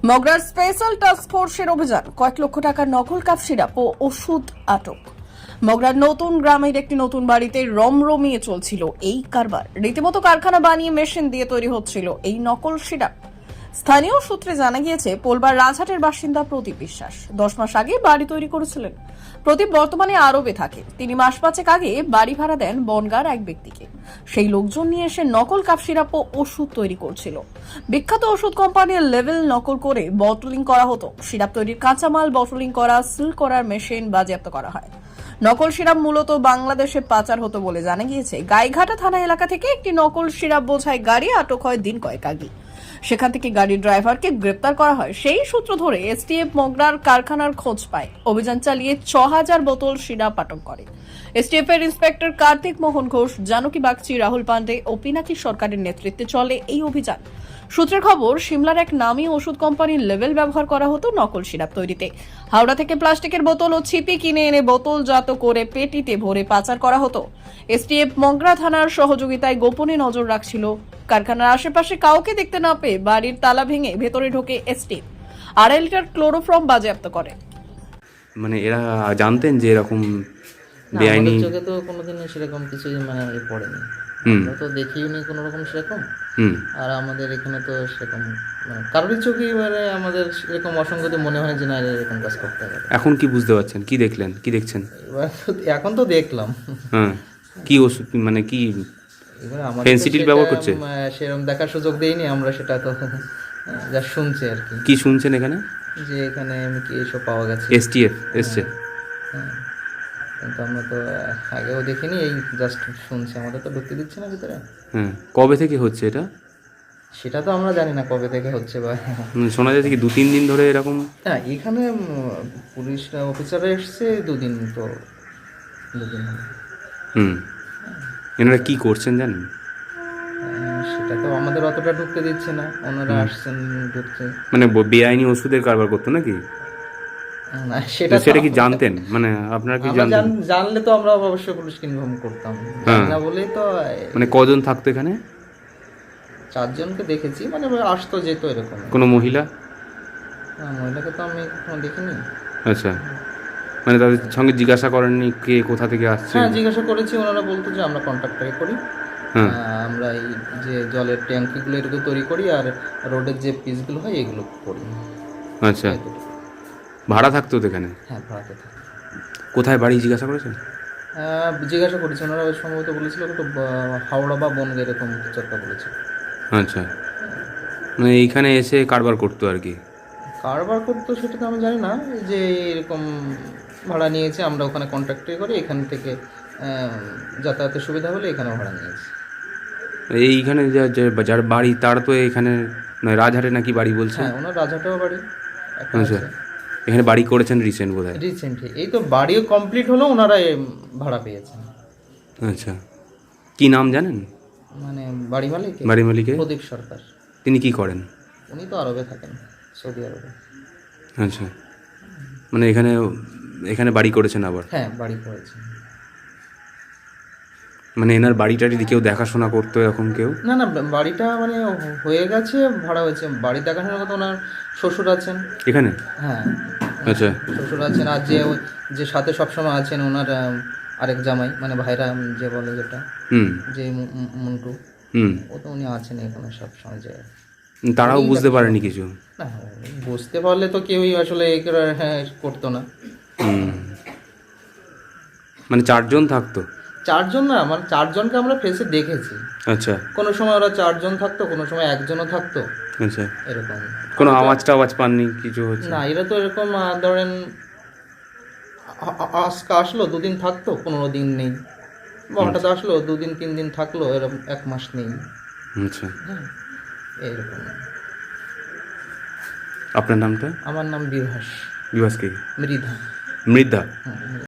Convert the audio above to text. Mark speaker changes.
Speaker 1: মগরার special task ফোর্সের অভিযান, কয়েক লক্ষ টাকার নকল কাপ সিরাপ ও ওষুধ আটক। মগরার নতুন গ্রামের একটি নতুন বাড়িতে রমরমিয়ে চলছিল এই কারবার। রীতিমতো কারখানা বানিয়ে মেশিন দিয়ে তৈরি হচ্ছিল এই নকল সিরাপ। স্থানীয় সূত্রে জানা গিয়েছে, পোলবার রাজহাটের বাসিন্দা প্রদীপ বিশ্বাস 10 মাস আগে বাড়ি তৈরি করেছিলেন। প্রদীপ বর্তমানে আরবে থাকে। তিনি মাস পাঁচেক আগে বাড়ি ভাড়া দেন বনগাঁর এক ব্যক্তিকে। সেই লোকজন নিয়ে এসে নকল কাপ সিরাপ ও ওষুধ তৈরি করছিল। বিখ্যাত ওষুধ কোম্পানির লেভেল নকল করে বটলিং করা হতো। সিরাপ তৈরির কাঁচামাল বটলিং করা, সিল করার মেশিন বাজেয়াপ্ত করা হয়। নকল সিরাপ মূলত বাংলাদেশে পাচার হতো বলে জানা গিয়েছে। গাইঘাটা থানা এলাকা থেকে একটি নকল সিরাপ বোঝাই গাড়ি আটক হয় দিন কয়েক আগে। সেখান থেকে গাড়ির ড্রাইভারকে গ্রেপ্তার করা হয়। সেই সূত্র ধরে এসটিএফ মগরার কারখানার খোঁজ পায়। অভিযান চালিয়ে 6000 বোতল সিরাপ আটক করে। এসটিএফ এর ইন্সপেক্টর কার্তিক মোহন ঘোষ, জানকী বাগচি, রাহুল পান্ডে ও পিনাকি সরকারের নেতৃত্বে চলে এই অভিযান। সূত্রের খবর, সিমলার এক নামী ওষুধ কোম্পানির লেভেল ব্যবহার করা হতো নকল সিরাপ তৈরিতে। হাওড়া থেকে প্লাস্টিকের বোতল ও ছিপি কিনে এনে বোতলজাত করে পেটিতে ভরে পাচার করা হতো। এসটিএফ মগরা থানার সহযোগিতায় গোপনে নজর রাখছিল। কারখানার আশেপাশে কাউকে দেখতে না পেয়ে বাড়ির তালা ভেঙে ভেতরে ঢোকে এসটিএফ। 2.5 লিটার ক্লোরোফর্ম বাজেয়াপ্ত করে।
Speaker 2: মানে এরা জানতেন যে এরকম
Speaker 3: না,
Speaker 2: বেআইনি?
Speaker 3: আমাদের চোখে তো কোনোদিন সেরকম কিছু পড়েনি। আমরা তো দেখিওনি কোনো রকম সেরকম। আর আমাদের এখানে তো সেরকম কারোরই চোখে আমাদের এরকম অসঙ্গতি মনে হয় যে না এরকম কাজ করতে হবে।
Speaker 2: এখন কি বুঝতে পারছেন? কি দেখলেন? কি দেখছেন?
Speaker 3: এখন তো দেখলাম।
Speaker 2: হ্যাঁ, কি ওষুধ মানে কি
Speaker 3: এবার আমাদের
Speaker 2: ফেন্সিডিল ব্যবহার করছে?
Speaker 3: সেরকম দেখার সুযোগ দেইনি আমরা, সেটা তো যা শুনছি আর কি।
Speaker 2: কি শুনছেন এখানে?
Speaker 3: যে এখানে কি এসব পাওয়া গেছে,
Speaker 2: এসটিএফ এসছে?
Speaker 3: হ্যাঁ, কিন্তু আমরা তো আগেও দেখিনি, এই জাস্ট শুনছি। আমাদের তো ঢুকতে দিচ্ছে না ভিতরে।
Speaker 2: হ্যাঁ, কবে থেকে হচ্ছে এটা?
Speaker 3: সেটা তো আমরা জানি না কবে থেকে হচ্ছে বা
Speaker 2: শোনা যাচ্ছে কি 2-3 দিন ধরে এরকম?
Speaker 3: হ্যাঁ, এখানে পুলিশ অফিসাররা এসছে 2 দিন, তো 2 দিন হলো।
Speaker 2: এনারা কি করছেন জানেন?
Speaker 3: সেটা তো আমাদের অতটা ঢুকতে দিচ্ছে না, ওনারা আসছেন ঢুকছে।
Speaker 2: মানে বেআইনি ওষুধের কারবার করতো নাকি?
Speaker 3: না, সেটা
Speaker 2: সেটা কি জানতেন? মানে আপনারা কি জানতেন?
Speaker 3: জানলে তো আমরা অবশ্যই পুলিশকে ইনফর্ম করতাম। জানি না বলেই তো।
Speaker 2: মানে কজন থাকতো এখানে?
Speaker 3: 4 জনকে দেখেছি, মানে আসতো যেত এরকম।
Speaker 2: কোনো মহিলা?
Speaker 3: না, মহিলাকে তো আমি কখনো দেখিনি।
Speaker 2: আচ্ছা, মানে তাদের সঙ্গে জিজ্ঞাসা করেননি কে কোথা থেকে আসছে?
Speaker 3: হ্যাঁ, জিজ্ঞাসা করেছি। ওনারা বলতো যে আমরা কন্ট্রাক্টরে করি, আমরা এই যে জলের ট্যাঙ্কিগুলো এটুকু তৈরি করি, আর রোডের যে পিসগুলো হয় এগুলো করি।
Speaker 2: আচ্ছা, ভাড়া থাকতো তো এখানে?
Speaker 3: হ্যাঁ, ভাড়াতে থাকে।
Speaker 2: কোথায় বাড়ি জিজ্ঞাসা করেছেন?
Speaker 3: জিজ্ঞাসা করেছি, ওনারা সম্ভবত বলেছিল একটু হাওড়া বা বনগাঁ এরকম কিছু একটা বলেছে।
Speaker 2: আচ্ছা, মানে এইখানে এসে কারবার করতো আর কি?
Speaker 3: কারবার করতো সেটা তো আমি জানি না, যে এরকম ভাড়া নিয়েছে, আমরা ওখানে কন্ট্রাক্টে করি, এখান থেকে যাতায়াতের সুবিধা হলে এখানে ভাড়া নিয়েছি।
Speaker 2: এইখানে যার বাড়ি তার তো এখানে রাজহাটে নাকি বাড়ি বলছে?
Speaker 3: হ্যাঁ, ওনার রাজহাটেও বাড়ি।
Speaker 2: আচ্ছা, এখানে বাড়ি করেছেন রিসেন্ট বোধহয়?
Speaker 3: রিসেন্টলি এই তো বাড়িও কমপ্লিট হলো, ওনারা ভাড়া পেয়েছেন।
Speaker 2: আচ্ছা, কি নাম জানেন?
Speaker 3: মানে বাড়ি
Speaker 2: মালিকের?
Speaker 3: প্রদীপ সরকার।
Speaker 2: তিনি কি করেন?
Speaker 3: উনি তো আরবে থাকেন, সৌদি আরবে।
Speaker 2: আচ্ছা, মানে এখানে বাড়ি করেছেন আবার?
Speaker 3: হ্যাঁ, বাড়ি করেছেন।
Speaker 2: মানে এনার বাড়িটারি কেউ দেখাশোনা করতো এরকম কেউ?
Speaker 3: না না, বাড়িটা মানে হয়ে গেছে, ভাড়া হয়েছে। বাড়ি দেখাশোনার কথা ওনার শ্বশুর আছেন
Speaker 2: এখানে?
Speaker 3: হ্যাঁ,
Speaker 2: আচ্ছা,
Speaker 3: শ্বশুর আছেন। আর যে সাথে সবসময় আছেন ওনার আরেক জামাই, মানে ভাইরা যে বলে যেটা, যে মন্টু, ও তো উনি আছেন এখানে সবসময়। যে
Speaker 2: তারাও বুঝতে পারেনি কিছু?
Speaker 3: না, বুঝতে পারলে তো কেউই আসলে করতো না।
Speaker 2: মানে 4 জন থাকতো?
Speaker 3: 4 জন না, মানে 4 জনকে আমরা ফেসে দেখেছি।
Speaker 2: আচ্ছা,
Speaker 3: কোনো সময় ওরা 4 জন থাকতো, কোনো সময় একজনও থাকতো,
Speaker 2: আচ্ছা।
Speaker 3: এরকম।
Speaker 2: কোনো আওয়াজ পাননি কিছু হচ্ছে?
Speaker 3: না, এরা তো এরকম ধরেন আজকে আসলো 2 দিন থাকতো, 15 দিন নেই, বা হঠাৎ আসলো 2 দিন 3 দিন থাকলো, এরকম 1 মাস নেই।
Speaker 2: আচ্ছা,
Speaker 3: হ্যাঁ, এরকম।
Speaker 2: আপনার নামটা?
Speaker 3: আমার নাম বিভাস।
Speaker 2: বিভাস কি?
Speaker 3: মৃধা।
Speaker 2: মৃধা?
Speaker 3: হ্যাঁ।